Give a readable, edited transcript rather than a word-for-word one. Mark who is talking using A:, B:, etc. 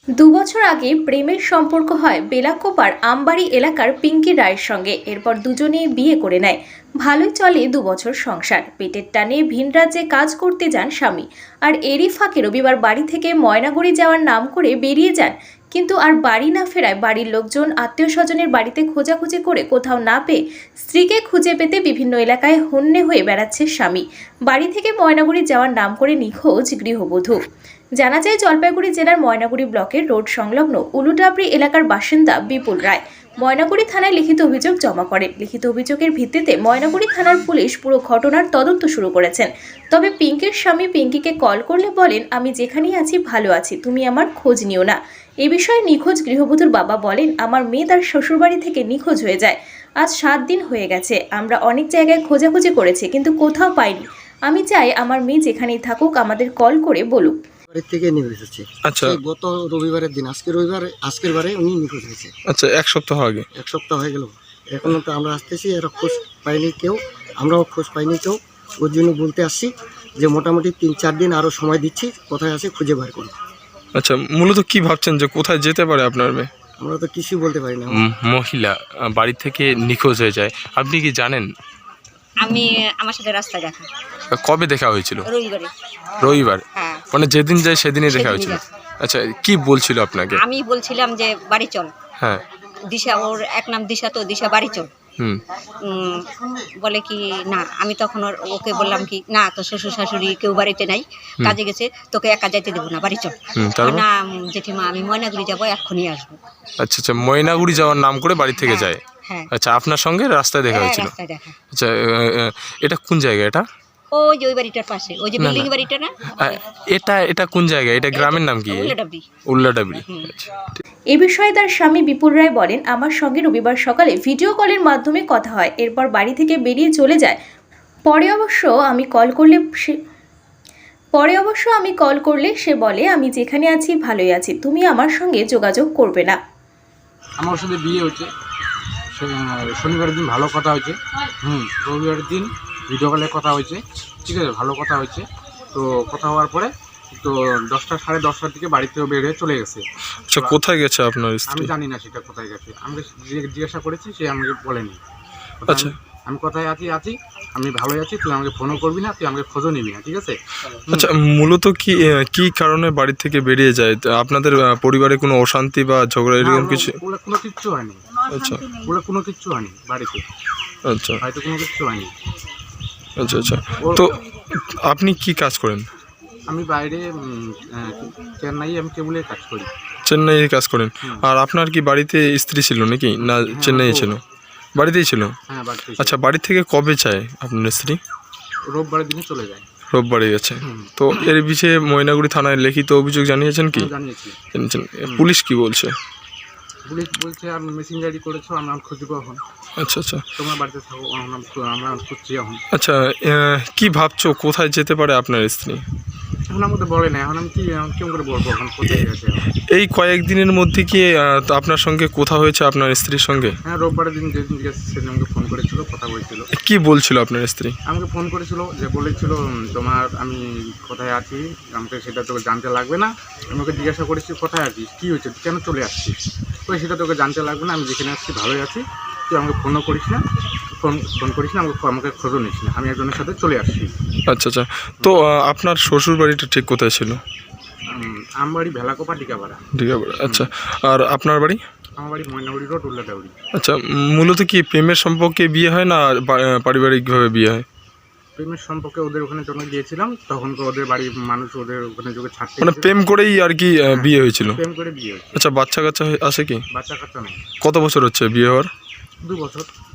A: দু বছর আগে প্রেমের সম্পর্ক হয় বেলাকোপার আমবাড়ি এলাকার পিঙ্কি রায়ের সঙ্গে। এরপর দুজনেই বিয়ে করে নেয়। ভালোই চলে 2 বছর সংসার। পেটের টানে ভিন রাজ্যে কাজ করতে যান স্বামী, আর এরই ফাঁকে রবিবার বাড়ি থেকে ময়নাগুড়ি যাওয়ার নাম করে বেরিয়ে যান। কিন্তু আর বাড়ি না ফেরায় বাড়ির লোকজন আত্মীয় স্বজনের বাড়িতে খোঁজাখুঁজি করে কোথাও না পেয়ে স্ত্রীকে খুঁজে পেতে বিভিন্ন এলাকায় হন্যে হয়ে বেড়াচ্ছে স্বামী। বাড়ি থেকে ময়নাগুড়ি যাওয়ার নাম করে নিখোঁজ গৃহবধূ। জানা যায় জলপাইগুড়ি জেলার ময়নাগুড়ি ব্লকের রোড সংলগ্ন উলুডাবরি এলাকার বাসিন্দা বিপুল রায় ময়নাগুড়ি থানায় লিখিত অভিযোগ জমা করেন। লিখিত অভিযোগের ভিত্তিতে ময়নাগুড়ি থানার পুলিশ পুরো ঘটনার তদন্ত শুরু করেছেন। তবে পিঙ্কির স্বামী পিঙ্কিকে কল করলে বলেন, আমি যেখানেই আছি ভালো আছি, তুমি আমার খোঁজ নিও না। এ বিষয়ে নিখোঁজ গৃহবধূর বাবা বলেন, আমার মেয়ে তার শ্বশুরবাড়ি থেকে নিখোঁজ হয়ে যায়। আজ 7 দিন হয়ে গেছে। আমরা অনেক জায়গায় খোঁজাখুঁজি করেছি কিন্তু কোথাও পাইনি। আমি চাই আমার মেয়ে যেখানেই থাকুক আমাদের কল করে বলুক।
B: বাড়ি থেকে নিখোঁজ হচ্ছে।
C: আচ্ছা,
B: গত রবিবারের দিন, আজকের বারে উনি নিখোঁজ হয়েছে।
C: আচ্ছা, 1 সপ্তাহ আগে।
B: 1 সপ্তাহ হয়ে গেল, এখনো তো আমরা আসতেছি, এরা খোঁজ পাইনি কেউ, আমরাও খোঁজ পাইনি কেউ। ওর জন্য বলতে আসছি যে মোটামুটি 3-4 দিন আরও সময় দিচ্ছি, কোথায় আছে খুঁজে বার করুন।
C: আচ্ছা, মূলত কি ভাবছেন যে কোথায় যেতে পারে আপনার মেয়ে?
B: আমরা তো কিছুই বলতে পারি না।
C: মহিলা বাড়ি থেকে নিখোঁজ হয়ে যায়, আপনি কি জানেন?
D: আমার সাথে রাস্তা দেখা।
C: কবে দেখা হয়েছিল?
D: রবিবারে।
C: রবিবার?
D: হ্যাঁ।
C: মানে যেদিন যায় সেদিনই দেখা
D: সেদিনই
C: হয়েছিল।
D: গেছে।
C: আচ্ছা, কি বলছিল আপনাকে?
D: আমি বলছিলাম যে বাড়ি চল।
C: হ্যাঁ।
D: দিশা, ওর এক নাম দিশা, তো দিশা বাড়ি চল। বলে কি না, আমি তখন ওকে বললাম কি না, তো শ্বশুর শাশুড়ি কেউ বাড়িতে নাই, কাজে গেছে, তোকে একা যাইতে দেবো না, বাড়ি চল। না জেঠিমা, আমি ময়নাগুড়ি যাবো, এক্ষুনি আসবো।
C: আচ্ছা আচ্ছা, ময়নাগুড়ি যাওয়ার নাম করে বাড়ি থেকে যায়।
D: হ্যাঁ।
C: আচ্ছা, আপনার সঙ্গে রাস্তায় দেখা হয়েছিল?
D: রাস্তায় দেখা।
C: আচ্ছা, এটা কোন জায়গা? এটা
D: ওই যে ওই বাড়িটার পাশে, ওই যে বিল্ডিং বাড়িটা না।
C: এটা কোন জায়গা? এটা গ্রামের নাম কি?
D: উল্লাডাবরি।
C: উল্লাডাবরি। আচ্ছা।
A: এ বিষয়ে তার স্বামী বিপুল রায় বলেন, আমার সঙ্গে রবিবার সকালে ভিডিও কলের মাধ্যমে কথা হয়। এরপর বাড়ি থেকে বেরিয়ে চলে যায়। পরে অবশ্য আমি কল করলে সে বলে, আমি যেখানে আছি ভালোই আছি, তুমি আমার সঙ্গে যোগাযোগ করবে না।
E: আমার সাথে বিয়ে হচ্ছে, শনিবারের দিন ভালো কথা হয়েছে, রবিবারের দিন ভিডিও কলে কথা হয়েছে, ঠিক আছে, ভালো কথা হয়েছে। তো কথা হওয়ার পরে তো 10টা সাড়ে 10টার দিকে বাড়ি থেকে বের হয়ে চলে গেছে।
C: আচ্ছা, কোথায় গেছে আপনার স্ত্রী?
E: আমি জানি না সেটা কোথায় গেছে, আমি জিজ্ঞাসা করেছি, সে আমাকে বলেনি।
C: আচ্ছা,
E: আমি কোথায় আছি, আমি ভালোই আছি, তুই আমাকে ফোনও করবি না, তুই আমাকে খোঁজও নিবি না, ঠিক আছে।
C: আচ্ছা, মূলত কি কারণে বাড়ি থেকে বেরিয়ে যায়? আপনাদের পরিবারে কোনো অশান্তি বা ঝগড়া এরকম কিছু?
E: কোনো কিচ্ছু হয়নি।
C: আচ্ছা,
E: কোনো কিচ্ছু হয়নি বাড়িতে,
C: আচ্ছা
E: হয়তো কোনো কিচ্ছু হয়নি।
C: আচ্ছা আচ্ছা, তো আপনি কি কাজ করেন?
E: আমি বাইরে চেন্নাই আমি কেবলের কাজ করি।
C: চেন্নাইয়ে কাজ করেন? আর আপনার কি বাড়িতে স্ত্রী ছিল নাকি, না চেন্নাইয়ে ছিল? বাড়িতেই ছিল।
E: হ্যাঁ, বাড়িতে।
C: আচ্ছা, বাড়ি থেকে কবে চায় আপনার স্ত্রী?
E: রোববারের দিনে চলে যায়।
C: রোববারে গেছে। তো এর বিষয়ে ময়নাগুড়ি থানায় লিখিত অভিযোগ জানিয়েছেন কি?
E: জানিয়েছি।
C: জানিয়েছেন। পুলিশ কি বলছে?
E: পুলিশ বলছে আমি মেসেঞ্জারি করেছো, আমরা খুঁজবো এখন।
C: আচ্ছা আচ্ছা,
E: তোমার বাড়িতে থাকো, আমরা খুঁজছি এখন।
C: আচ্ছা, কি ভাবছো কোথায় যেতে পারে আপনার স্ত্রী?
E: এখন আমাদের বলে না, এখন আমি কেমন করে বলবো এখন কোথায় গেছে।
C: এই কয়েকদিনের মধ্যে কি আপনার সঙ্গে কথা হয়েছে আপনার স্ত্রীর সঙ্গে?
E: হ্যাঁ, রোববারের দিন যেদিন গেছে সেদিন আমাকে ফোন করেছিল, কথা বলছিল।
C: কি বলছিল আপনার স্ত্রী? আমাকে
E: ফোন করেছিল, যে বলেছিল তোমার আমি কোথায় আছি, আমাকে সেটা তোকে জানতে লাগবে না। আমাকে জিজ্ঞাসা করেছি কোথায় আছিস, কী হয়েছে, কেন চলে আসছিস, ওই সেটা তোকে জানতে লাগবে না, আমি যেখানে আসছি ভালোই আছি, তুই আমাকে ফোনও করিস না, ফোন করিস না, আমাকে খোঁজও নিস না, আমি একজনের সাথে চলে আসছি।
C: আচ্ছা আচ্ছা, তো আপনার শ্বশুর বাড়িটা ঠিক কোথায় ছিল?
E: আমার বাড়ি ভেলাকোপা ডিকাপাড়া।
C: ডিকাপাড়া। আচ্ছা, আর আপনার বাড়ি?
E: আমার বাড়ি ময়নাগুড়ি রোড, উল্লাডাবরি।
C: আচ্ছা, মূলত কি প্রেমের সম্পর্কে বিয়ে হয় না পারিবারিকভাবে বিয়ে হয়?
E: প্রেমের সম্পর্কে ওদের ওখানে যখন গিয়েছিলাম তখন তো ওদের বাড়ির মানুষ ওদের ওখানে যোগে ছাড়তে,
C: মানে প্রেম করেই আর কি বিয়ে হয়েছিল?
E: প্রেম করে বিয়ে হয়েছে।
C: আচ্ছা, বাচ্চা কাচ্চা আছে কি?
E: বাচ্চা কাচ্চা নেই।
C: কত বছর হচ্ছে বিয়ে হওয়ার?
E: 2 বছর।